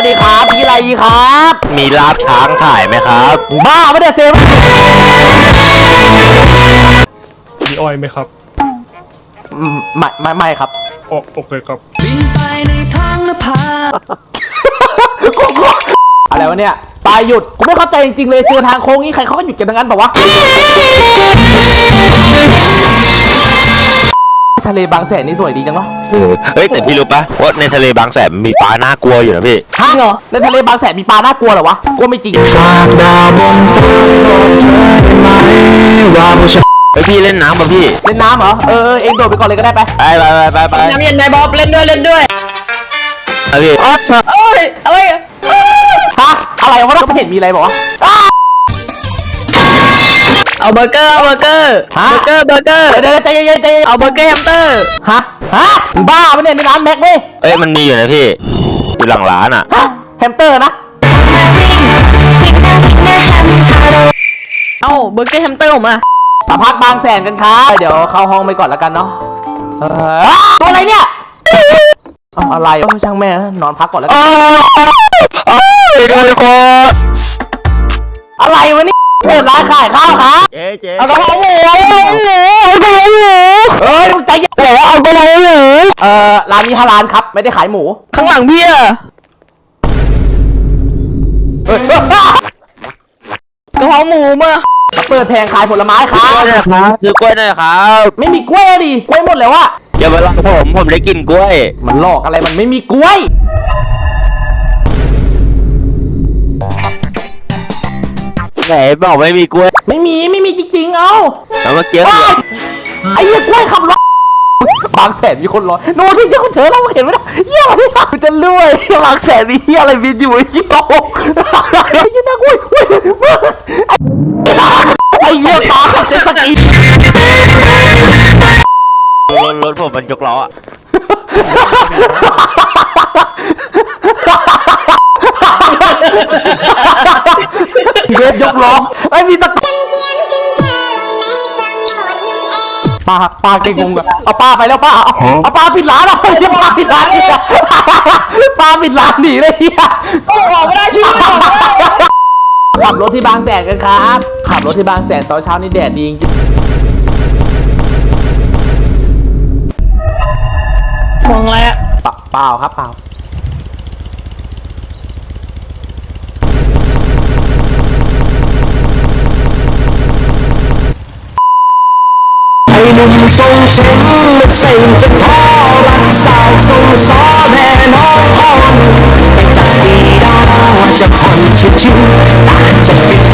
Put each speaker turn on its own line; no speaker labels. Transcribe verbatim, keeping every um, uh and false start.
สดีครับมีอะไรครับ
มีลาบช้างขายไหมครับ
บ้าไม่ได้เซฟ
มีอ้อยไหมครับ
ไม่ไม่ไม่ครับ
โอโอเคครับ
บินไปในท้องนภา
อะไรวะเนี่ยปลายหยุดกูไม่เข้าใจจริงๆเลยเจอทางโค้งนี้ใครเขาก็หยุดกันทั้งนั้นป่าวะทะเลบางแสนนี่สวยดีจังเนาะ
เฮ้ยแต่พี่รู้ปะว่าในทะเลบางแสนมีปลาน่ากลัวอยู่นะพี่
ฮะเหรอในทะเลบางแสนมีปลาน่ากลัวเหรอวะกลัวไม่จริงฝากดาวบนฟ้าบอกเธอได้ไหม
ว่าผู้ชายเฮ้ยพี่เล่นน้ำป่ะพี่
เล่นน้ำเหรอเออเองโดดไปก่อนเลยก็ได้ไป
ไปไปไปไปไป
น้ำเย็นไหมบ๊อบเล่นด้วยเล่นด้วย
อะพี่
อ๋อเอ้ยอะไรอะ
ฮะอะไรวะเราไม่เห็นมีอะไรบอกว่า
เอาเบอร์เกอร์เอาเบอร์เกอร์เบอร์เกอร์เบอร์เกอร์
เดี๋ยวใจเย็นใจเย็น
เอาเบอร์เกอร์แฮมสเตอร์
ฮะฮะบ้าไม่เนี่ยในร้านแม็กไหม
เอ้ยมันมีอยู่นะพี่อยู่หลังร้านอ่ะ
แฮมสเตอร์นะ
เอาเบอร์เกอร์แฮมสเตอร์ผมอะ
มาพักบางแสนกันครับเดี๋ยวเข้าห้องไปก่อนแล้วกันเนาะตัวอะไรเนี่ยอะไรช่างแม่นอนพักก่อนแล้วกันอะไรวะนี่เปิดร้านขายข้าวครับ
เจ๊เจ๊
เอากระเพราหมูเอากระเพราหมูเอ้ยมึงใจเย็นเอากระเพราหมูเอ่อร้านนี้ฮาลาลครับไม่ได้ขายหมู
ข้างหลังพี่อะกระเพราหมูมา
เปิดแผงขายผลไม้ครับ
ซื้อกล้วยหน่อยครับ
ไม่มีกล้วยดิกล้วยหมดแล้วอะ
อย่ามาหลอกผมผมได้กินกล้วย
มันหลอกอะไรมันไม่มีกล้วย
ไหนบอกไม่มีกล้วย
ไม่มีไม่มีจริงๆเอา
แล้วเมื่อกี้
ไอ้เหี้ยกล้วยขับรถบางแสนมีคนรอโน่ที่เจ้าเธอเราเห็นไหมนะเหี้ยอะไรเนี่ยจะรวยบางแสนมีเหี้ยอะไรบินอยู่เหี้ยไอ้เหี้ยน่ากลัวไอ้เหี้ยตาขับเจ็ตสกี
รถรถผมมันยกล้อ
เวฟยกล้อไอ้มีตะป้าป้าเก่งงงอะเอาป้าไปแล้วป้าเอาเอาป้าปิดร้านเอาเดี๋ยวป้าปิดร้านนี่ป้าปิดร้านหนีเลยเฮีย
ออกไม่ได้ช่วย
ขับรถที่บางแสนกันครับขับรถที่บางแสนตอนเช้านี่แดดดีจริง
มองอะไรอะ
เปล่าครับเปล่า
หนุ่มทรงเข็มมันใส่จะท้อรักสาวทรงซ้อแม่น้องอ่อนไม่จากดีดาจะผ่อนชิวๆตาจะปิด